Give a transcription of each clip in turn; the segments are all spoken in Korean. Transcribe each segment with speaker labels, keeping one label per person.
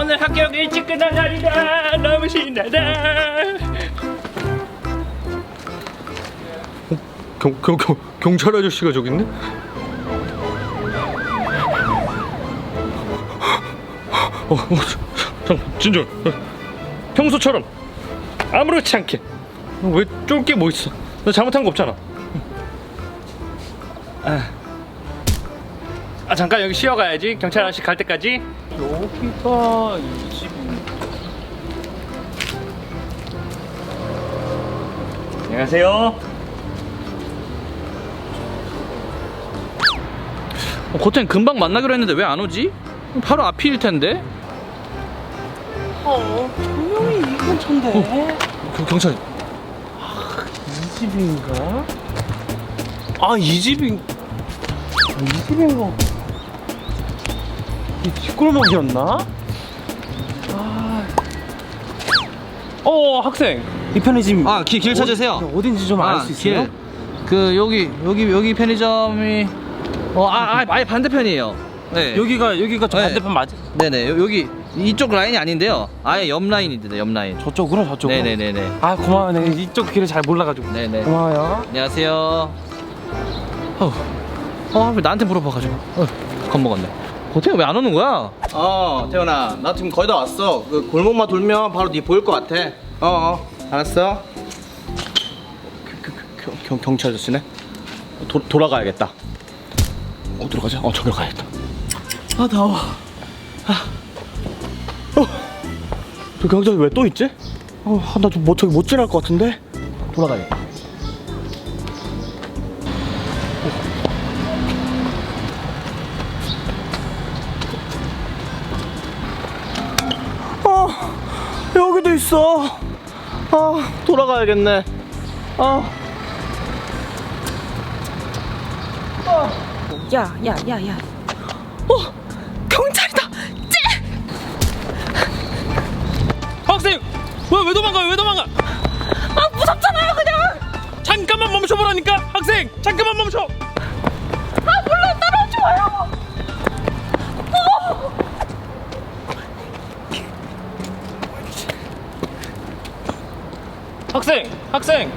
Speaker 1: 오늘 학교 일찍 끝난 날이다. 너무 신나다.
Speaker 2: 경찰 아저씨가 저기 있네? 잠깐 진정. 평소처럼 아무렇지 않게. 왜 쫄 게 뭐 있어? 너 잘못한 거 없잖아.
Speaker 1: 잠깐 여기 쉬어가야지. 경찰 아저씨 갈 때까지.
Speaker 2: 여기가 이 집인가?
Speaker 1: 안녕하세요.
Speaker 3: 고탱 금방 만나기로 했는데 왜 안 오지? 바로 앞일 텐데.
Speaker 4: 분명히 이 근처인데.
Speaker 2: 경찰.
Speaker 4: 이 집인가? 이 집인가? 이 뒷골목이었나? 학생. 이 편의점.
Speaker 3: 길 찾으세요.
Speaker 4: 어딘지 좀 알 수 있어요?
Speaker 3: 그 여기 편의점이 아예 반대편이에요. 네.
Speaker 4: 여기가 저
Speaker 3: 네.
Speaker 4: 반대편 맞아?
Speaker 3: 네네 여기 이쪽 라인이 아닌데요. 아예 옆 라인인데 옆 라인.
Speaker 4: 저쪽으로.
Speaker 3: 네네네네.
Speaker 4: 고마워요. 내가 이쪽 길을 잘 몰라가지고.
Speaker 3: 네네.
Speaker 4: 고마워요.
Speaker 3: 안녕하세요. 왜 나한테 물어봐가지고 겁먹었네. 고탱이 왜 안 오는 거야?
Speaker 5: 태훈아, 나 지금 거의 다 왔어. 그 골목만 돌면 바로 네 보일 것 같아. 알았어. 경찰 아저씨네. 돌아가야겠다. 들어가자. 저기로 가야겠다. 더워. 저 경찰이 왜 또 있지? 나 좀 저기 못 지날 것 같은데. 돌아가야겠다. 여기도 있어. 돌아가야겠네.
Speaker 6: 야. 경찰이다.
Speaker 1: 학생! 왜 도망가?
Speaker 6: 무섭잖아요, 그냥.
Speaker 1: 잠깐만 멈춰보라니까! 학생! 잠깐만 멈춰!
Speaker 6: 몰라, 따라오지 마요.
Speaker 1: 학생!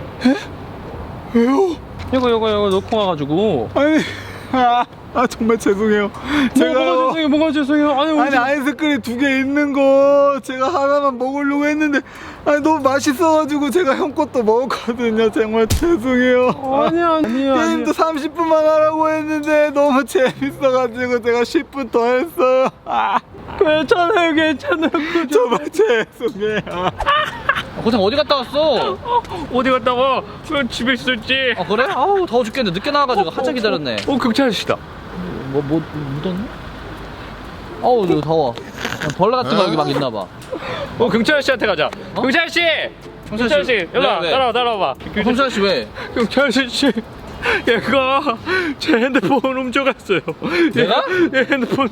Speaker 2: 왜요?
Speaker 1: 이거 놓고 와가지고.
Speaker 2: 아니, 정말 죄송해요.
Speaker 1: 뭐가 죄송해요?
Speaker 2: 아니 아이스크림 2개 있는 거 제가 하나만 먹으려고 했는데 너무 맛있어가지고 제가 형 것도 먹었거든요. 정말 죄송해요.
Speaker 1: 아니야.
Speaker 2: 게임도 30분만 하라고 했는데 너무 재밌어가지고 제가 10분 더 했어요.
Speaker 1: 괜찮아요.
Speaker 2: 정말 죄송해요.
Speaker 3: 고탱 어디 갔다 왔어?
Speaker 1: 어디 갔다 와? 집에 있었지.
Speaker 3: 그래? 더워 죽겠는데 늦게 나와가지고 한참 기다렸네.
Speaker 1: 경찰 아저씨다.
Speaker 3: 묻었네? 이거 더워. 벌레 같은 거 여기 막 있나봐.
Speaker 1: 경찰 아저씨한테 가자. 경찰 아저씨, 일로 와.
Speaker 3: 왜?
Speaker 1: 따라와봐.
Speaker 3: 경찰 아저씨 왜?
Speaker 1: 경찰 아저씨, 얘가 제 핸드폰 훔쳐갔어요.
Speaker 3: 내가?
Speaker 1: 얘 핸드폰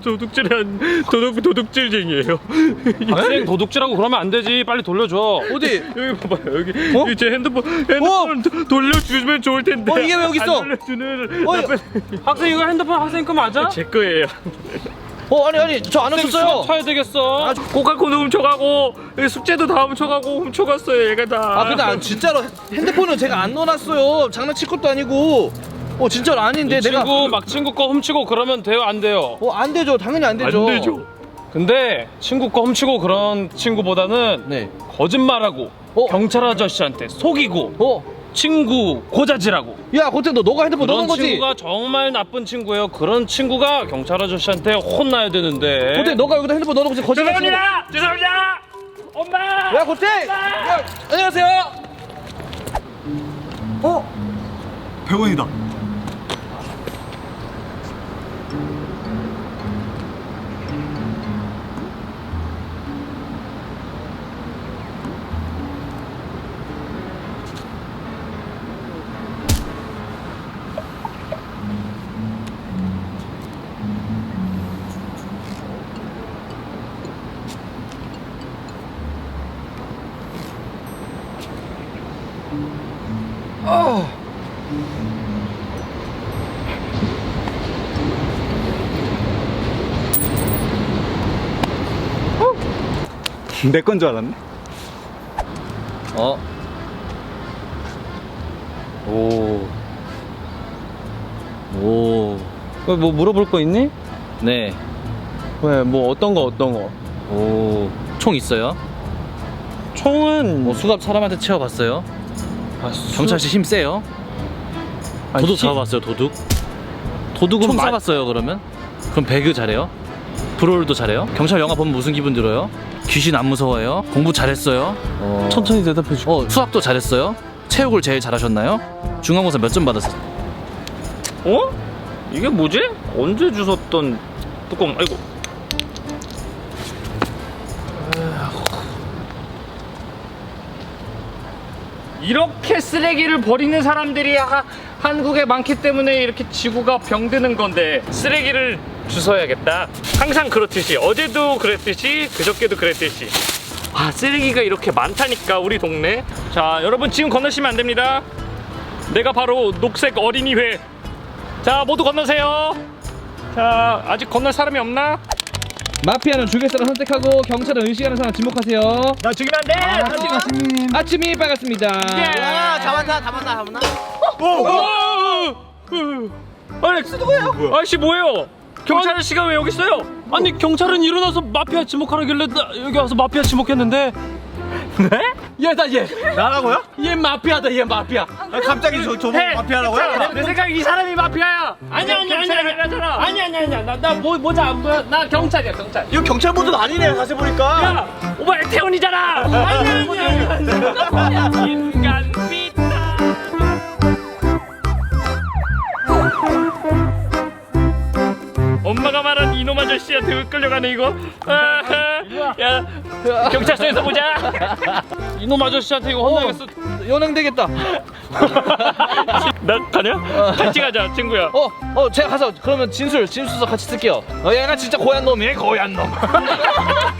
Speaker 1: 도둑질쟁이에요.
Speaker 4: 학생 도둑질하고 그러면 안 되지. 빨리 돌려줘.
Speaker 3: 어디?
Speaker 1: 여기 봐봐요. 여기 제 핸드폰 돌려주면 좋을 텐데.
Speaker 3: 이게 왜 여기 있어?
Speaker 1: 안 돌려주는
Speaker 4: 학생 이거 핸드폰 학생 거 맞아?
Speaker 1: 제 거예요.
Speaker 3: 아니 저 안 훔쳤어요.
Speaker 4: 쳐야 되겠어.
Speaker 1: 고칼콘도 훔쳐가고 숙제도 다 훔쳐갔어요. 얘가 다.
Speaker 3: 근데 진짜로 핸드폰은 제가 안 넣어놨어요. 장난칠 것도 아니고. 진짜로 아닌데 내가.
Speaker 4: 친구 거 훔치고 그러면 돼요, 안 돼요?
Speaker 3: 안 되죠. 당연히 안 되죠.
Speaker 1: 안 되죠.
Speaker 4: 근데 친구 거 훔치고 그런 친구보다는
Speaker 3: 네.
Speaker 4: 거짓말하고 경찰 아저씨한테 속이고 친구 고자질하고
Speaker 3: 야 고탱 너가 핸드폰 넣은
Speaker 4: 그런
Speaker 3: 거지?
Speaker 4: 친구가 정말 나쁜 친구예요. 그런 친구가 경찰 아저씨한테 혼나야 되는데.
Speaker 3: 고탱 너가 여기다 핸드폰 넣어놓고 지금 거짓말 치는 거.
Speaker 1: 죄송합니다. 엄마.
Speaker 3: 야 고탱! 야, 안녕하세요.
Speaker 2: 100원이다. 내 건 줄 알았네.
Speaker 3: 어. 오. 왜 뭐 물어볼 거 있니? 네. 왜 뭐 어떤 거? 오. 총 있어요? 총은 뭐 수갑 사람한테 채워봤어요? 경찰씨 힘 세요? 도둑 잡아봤어요, 도둑? 도둑은 총 쏴봤어요, 그러면? 그럼 배그 잘해요? 브롤도 잘해요? 경찰 영화 보면 무슨 기분 들어요? 귀신 안 무서워해요? 공부 잘했어요? 천천히 대답해줘. 수학도 잘했어요? 체육을 제일 잘하셨나요? 중간고사 몇 점 받았어요?
Speaker 1: 어? 이게 뭐지? 언제 주웠던 뚜껑? 아이고. 이렇게 쓰레기를 버리는 사람들이 한국에 많기 때문에 이렇게 지구가 병드는 건데 쓰레기를 주워야겠다. 항상 그렇듯이 어제도 그랬듯이 그저께도 그랬듯이 쓰레기가 이렇게 많다니까 우리 동네. 자 여러분 지금 건너시면 안 됩니다. 내가 바로 녹색 어린이회. 자 모두 건너세요. 자 아직 건널 사람이 없나?
Speaker 3: 마피아는 죽일 사람 선택하고 경찰은 의식하는 사람 지목하세요.
Speaker 1: 나 죽이면 안 돼!
Speaker 3: 아침이 빨갛습니다.
Speaker 5: 야 잡았나?
Speaker 1: 아렉스 누구예요? 아저씨 뭐예요? 경찰 아저씨가 왜 여기 있어요?
Speaker 4: 아니 경찰은 일어나서 마피아 지목하라길래 나 여기 와서 마피아 지목했는데.
Speaker 1: 네?
Speaker 4: 얘.
Speaker 2: 나라고요?
Speaker 4: 얘 마피아다, 얘 마피아.
Speaker 2: 갑자기 저보고 마피아라고요?
Speaker 1: 내 생각에 이 사람이 마피아야. 아니야.
Speaker 4: 나 모자 안 보여. 나 경찰이야, 경찰.
Speaker 2: 이거 경찰 모드는 아니네 사실 보니까.
Speaker 1: 야, 오빠 태훈이잖아. 아니야. 인간 삐딱. 엄마가 말한 이놈 아저씨한테 왜 끌려가네 이거. 야, 경찰서에서 보자.
Speaker 4: 이놈 아저씨한테 이거 혼나겠어.
Speaker 3: 연행 되겠다.
Speaker 1: 나 가냐? 같이 가자, 친구야.
Speaker 3: 제가 가서 그러면 진술서 같이 쓸게요. 얘가 진짜 고얀 놈이에요, 고얀 놈.